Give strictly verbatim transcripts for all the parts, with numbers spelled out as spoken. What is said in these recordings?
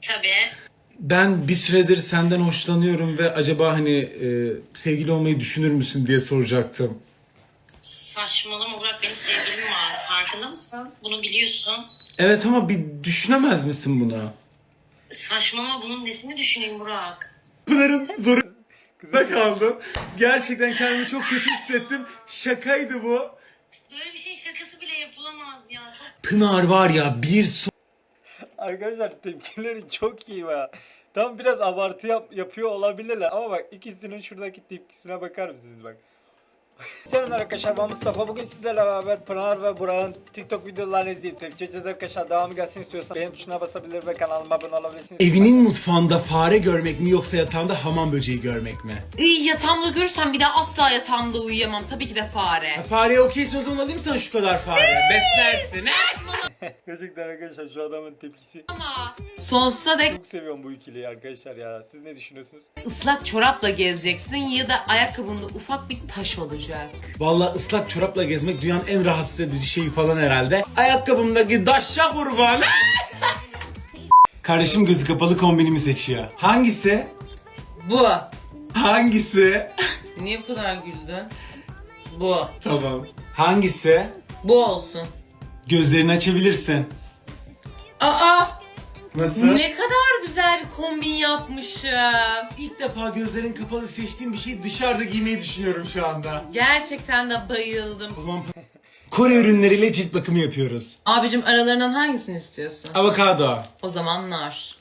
Tabii. Ben bir süredir senden hoşlanıyorum ve acaba hani e, sevgili olmayı düşünür müsün diye soracaktım. Saçmalama Burak, benim sevgilim var. Farkında mısın? Bunu biliyorsun. Evet ama bir düşünemez misin bunu? Saçmalama, bunun nesini düşüneyim Burak? Pınar'ın zorunda kaldım. Gerçekten kendimi çok kötü hissettim. Şakaydı bu. Böyle bir şey şakası bile yapılamaz ya. Çok Pınar var ya bir so- Arkadaşlar tepkileri çok iyi ya. Tam biraz abartı yap, yapıyor olabilirler ama bak ikisinin şuradaki tepkisine bakar mısınız bak. Selamlar arkadaşlar, ben Mustafa. Bugün sizlerle beraber Pınar ve Burak'ın TikTok videolarını izleyip tepki edeceğiz arkadaşlar. Devamı gelsin istiyorsan beğen tuşuna basabilir ve kanalıma abone olabilirsiniz. Evinin mutfağında fare görmek mi yoksa yatağında hamam böceği görmek mi? İyi, yatağımda görürsem bir daha asla yatağımda uyuyamam. Tabii ki de fare. Ha, fareye okeysin, o zaman alayım sana şu kadar fare. Beslersin. Gerçekten arkadaşlar şu adamın tepkisi. Ama sonsuza dek Çok seviyorum bu ikiliyi arkadaşlar ya. Siz ne düşünüyorsunuz? ıslak çorapla gezeceksin ya da ayakkabında ufak bir taş olacak. Vallahi ıslak çorapla gezmek dünyanın en rahatsız edici şeyi falan herhalde. Ayakkabımdaki daşşa kurban. Kardeşim gözü kapalı kombinimi seçiyor. Hangisi? Bu. Hangisi? Niye bu kadar güldün? Bu. Tamam. Hangisi? Bu olsun. Gözlerini açabilirsin. Aa! Nasıl? Ne kadar güzel bir kombin yapmışım. İlk defa gözlerin kapalı seçtiğim bir şeyi dışarıda giymeyi düşünüyorum şu anda. Gerçekten de bayıldım. O zaman Kore ürünleriyle cilt bakımı yapıyoruz. Abicim, aralarından hangisini istiyorsun? Avokado. O zaman nar.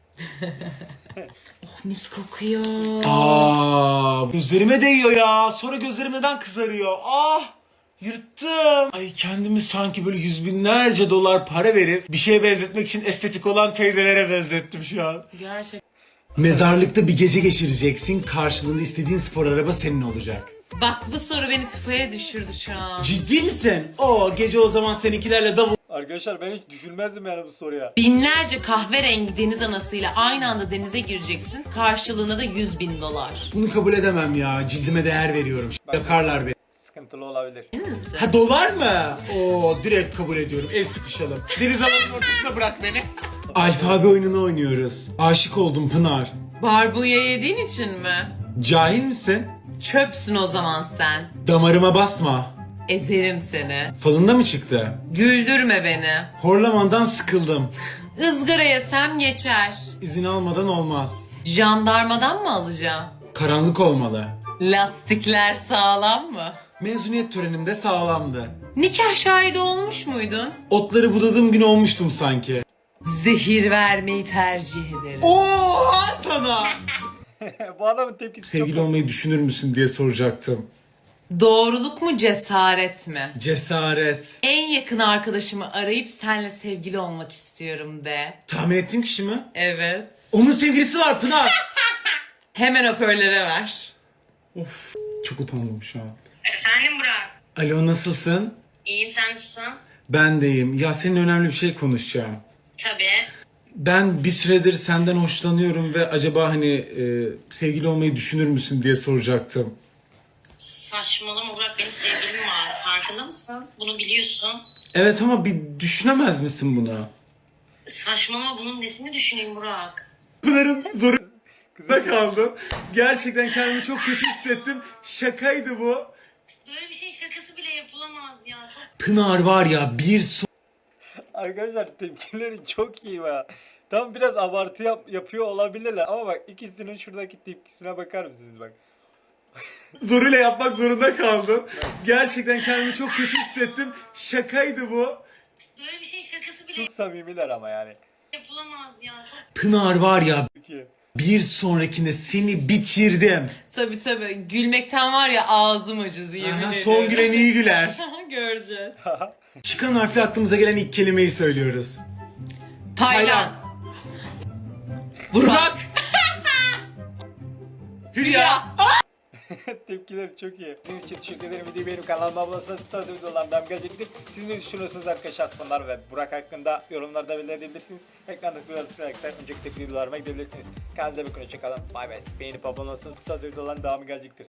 Oh, mis kokuyor. Aa, gözlerime değiyor ya. Sonra gözlerim neden kızarıyor? Ah! Yırttım. Ay, kendimi sanki böyle yüz binlerce dolar para verip bir şeye benzetmek için estetik olan teyzelere benzettim şu an. Gerçekten. Mezarlıkta bir gece geçireceksin. Karşılığında istediğin spor araba senin olacak. Bak, bu soru beni tufaya düşürdü şu an. Ciddi misin? O gece o zaman seninkilerle davul... Arkadaşlar ben hiç düşünmezdim yani bu soruya. Binlerce kahverengi deniz anasıyla aynı anda denize gireceksin. Karşılığında da yüz bin dolar. Bunu kabul edemem ya. Cildime değer veriyorum. Yakarlar beni. Sıkıntılı olabilir. Emin misin? Ha, dolar mı? Oo, direkt kabul ediyorum. El sıkışalım. Deniz alanının ortasına bırak beni. Alfabe oyununu oynuyoruz. Aşık oldum Pınar. Barbunya yediğin için mi? Cahil misin? Çöpsün o zaman sen. Damarıma basma. Ezerim seni. Falında mı çıktı? Güldürme beni. Horlamandan sıkıldım. Izgara yesem geçer. İzin almadan olmaz. Jandarmadan mı alacağım? Karanlık olmalı. Lastikler sağlam mı? Mezuniyet törenimde sağlamdı. Nikah şahidi olmuş muydun? Otları budadığım gün olmuştum sanki. Zehir vermeyi tercih ederim. Oha sana! Bu adamın tepkisi Sevgili çok... olmayı düşünür müsün diye soracaktım. Doğruluk mu cesaret mi? Cesaret. En yakın arkadaşımı arayıp senle sevgili olmak istiyorum de. Tahmin ettiğim kişi mi? Evet. Onun sevgilisi var Pınar. Hemen hoparlöre ver. Of, çok utandım şu an. efendim Burak. Alo, nasılsın? İyiyim, sen nasılsın? Ben deyim. Ya seninle önemli bir şey konuşacağım. Tabii. Ben bir süredir senden hoşlanıyorum ve acaba hani e, sevgili olmayı düşünür müsün diye soracaktım. Saçmalama Burak, benim sevgilim var. Farkında mısın? Bunu biliyorsun. Evet ama bir düşünemez misin bunu? Saçmalama, bunun nesini düşüneyim Burak? Pınar'ın zorunda kaldım. Gerçekten kendimi çok kötü hissettim. Şakaydı bu. Böyle bir şey şakası bile yapılamaz ya. Çok Pınar var ya bir so- Arkadaşlar tepkileri çok iyi ya. Tam biraz abartı yap, yapıyor olabilirler ama bak ikisinin şuradaki tepkisine bakar mısınız bak. zoruyla yapmak zorunda kaldım. Gerçekten kendimi çok kötü hissettim. Şakaydı bu. böyle bir şey şakası bile Çok samimiler ama yani. yapılamaz ya. Çok Pınar var ya Peki. bir sonrakinde seni bitirdim. Tabii tabii. Gülmekten var ya ağzım acıdı, yemin Aha, ederim. son gülen iyi güler. Göreceğiz. Çıkan harfle aklımıza gelen ilk kelimeyi söylüyoruz. Taylan. Burak. Hülya. Tepkileri çok iyi. Sizin için teşekkür ederim. Videoyu beğenip kanalıma abone olursanız bu tarz videolardan devam gelecektir. Siz ne düşünüyorsunuz arkadaşlar bunlar ve Burak hakkında yorumlarda belirleyebilirsiniz. Ekrandaki videoları tıklayarak önceki videolarıma gidebilirsiniz. Kendinize bakın, hoşçakalın. Bay bay. Beğenip abone olursanız bu tarz videoların devamı gelecektir.